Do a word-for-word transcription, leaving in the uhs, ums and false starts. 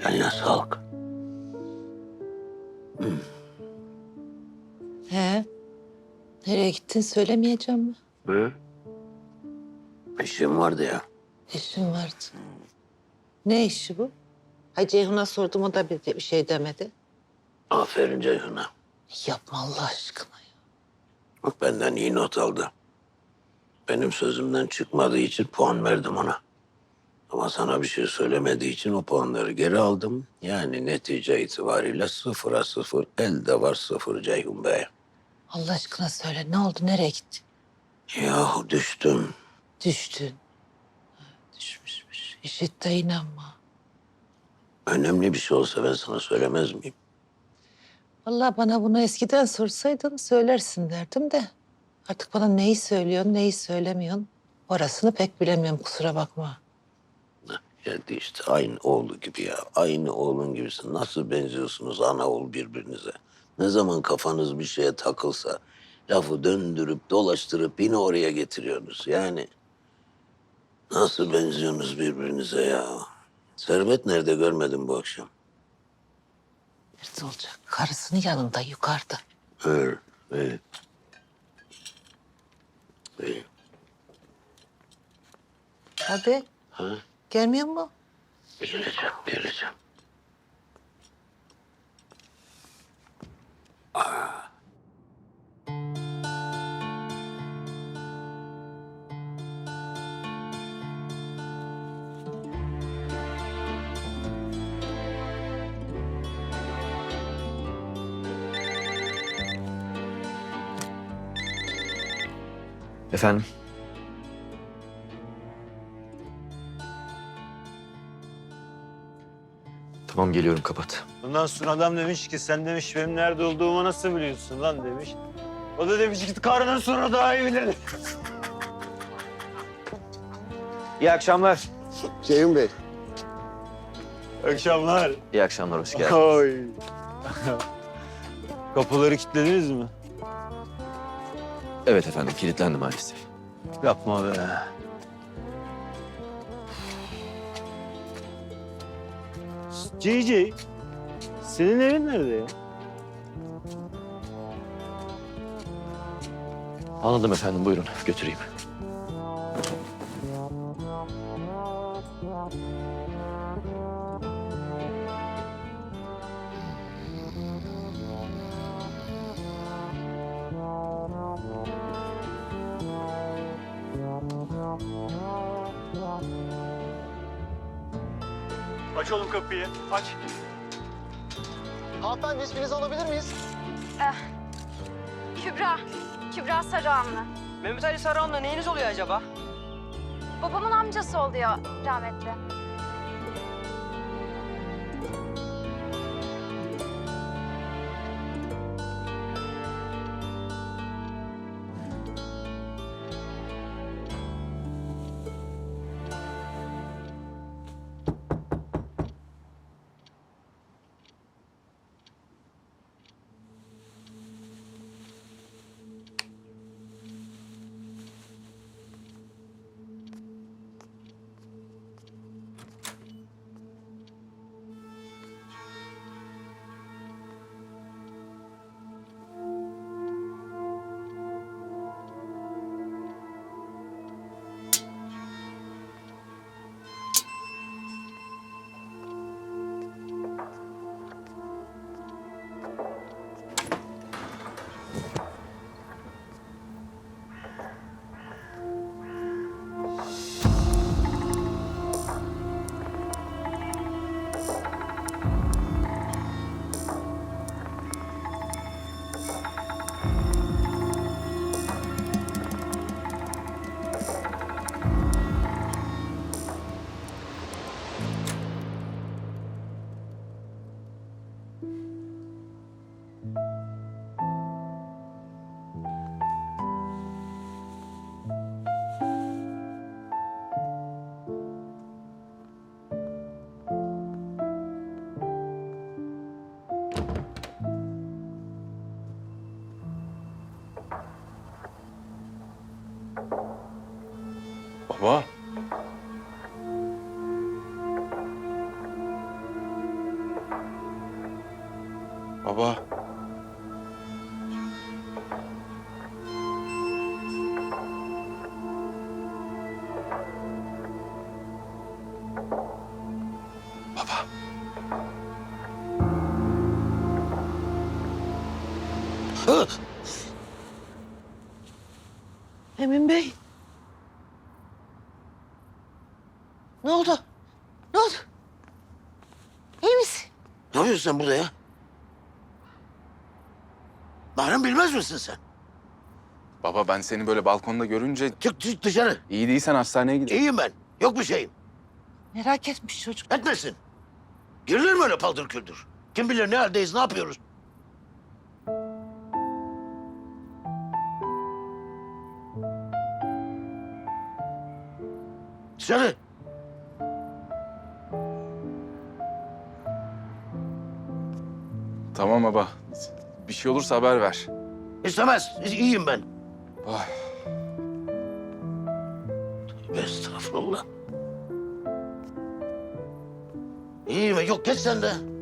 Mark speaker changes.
Speaker 1: Eline sağlık.
Speaker 2: He? Nereye gittin söylemeyeceğim mi?
Speaker 1: Hı? İşim vardı ya.
Speaker 2: İşim vardı. Ne işi bu? Hay Ceyhun'a sordum, o da bir, bir şey demedi.
Speaker 1: Aferin Ceyhun'a.
Speaker 2: Yapma Allah aşkına ya.
Speaker 1: Bak benden iyi not aldı. Benim sözümden çıkmadığı için puan verdim ona. Ama sana bir şey söylemediği için o puanları geri aldım. Yani netice itibariyle sıfıra sıfır, elde var sıfır Ceyhun Bey.
Speaker 2: Allah aşkına söyle, ne oldu, nereye gittin?
Speaker 1: Yahu düştüm.
Speaker 2: Düştün. Ha, düşmüşmüş. İşit de inanma.
Speaker 1: Önemli bir şey olsa ben sana söylemez miyim?
Speaker 2: Vallahi bana bunu eskiden sorsaydın söylersin derdim de. Artık bana neyi söylüyorsun, neyi söylemiyorsun. Orasını pek bilemiyorum, kusura bakma.
Speaker 1: Heh, geldi işte aynı oğlu gibi ya. Aynı oğlun gibisin. Nasıl benziyorsunuz ana oğul birbirinize? Ne zaman kafanız bir şeye takılsa lafı döndürüp dolaştırıp yine oraya getiriyorsunuz. Yani nasıl benziyorsunuz birbirinize ya? Servet nerede görmedim bu akşam?
Speaker 2: Nerede olacak? Karısının yanında, yukarıda.
Speaker 1: Evet, evet. İyi.
Speaker 2: Hadi,
Speaker 1: Ha?
Speaker 2: gelmiyor mu?
Speaker 1: Geleceğim, geleceğim.
Speaker 3: Efendim? Tamam geliyorum, kapat.
Speaker 4: Ondan sonra adam demiş ki sen demiş benim nerede olduğumu nasıl biliyorsun lan demiş. O da demiş ki karının sonra daha iyi bilir.
Speaker 3: İyi akşamlar.
Speaker 5: Ceyhun Bey.
Speaker 4: Akşamlar.
Speaker 3: İyi akşamlar, hoş geldin.
Speaker 4: Oy. Kapıları kilitlediniz mi?
Speaker 3: Evet efendim, kilitlendi maalesef.
Speaker 4: Yapma be. C C, senin evin nerede ya?
Speaker 3: Anladım efendim, buyurun götüreyim.
Speaker 4: Aç oğlum kapıyı, aç.
Speaker 5: Hanımefendi isminizi alabilir miyiz?
Speaker 6: Kübra, Kübra Sarıhanlı.
Speaker 7: Mehmet Ali Sarıhan'la neyiniz oluyor acaba?
Speaker 6: Babamın amcası oluyor rahmetli.
Speaker 4: Baba.
Speaker 2: Emin Bey. Ne oldu? Ne oldu? İyi misin?
Speaker 1: Ne yapıyorsun sen burada ya? Bahram bilmez misin sen?
Speaker 8: Baba ben seni böyle balkonda görünce
Speaker 1: Çık, çık dışarı.
Speaker 8: iyi değilsen hastaneye gidelim.
Speaker 1: İyiyim ben. Yok bir şeyim.
Speaker 2: Merak etmiş çocuk.
Speaker 1: Etmesin. Girilir mi öyle paldır küldür? Kim bilir ne haldeyiz, ne yapıyoruz? Dışarı.
Speaker 8: Tamam baba. Bir şey olursa haber ver.
Speaker 1: İstemez. İyiyim ben.
Speaker 8: Ay.
Speaker 1: Tövbe estağfurullah. İyiyim. Yok geç sen de.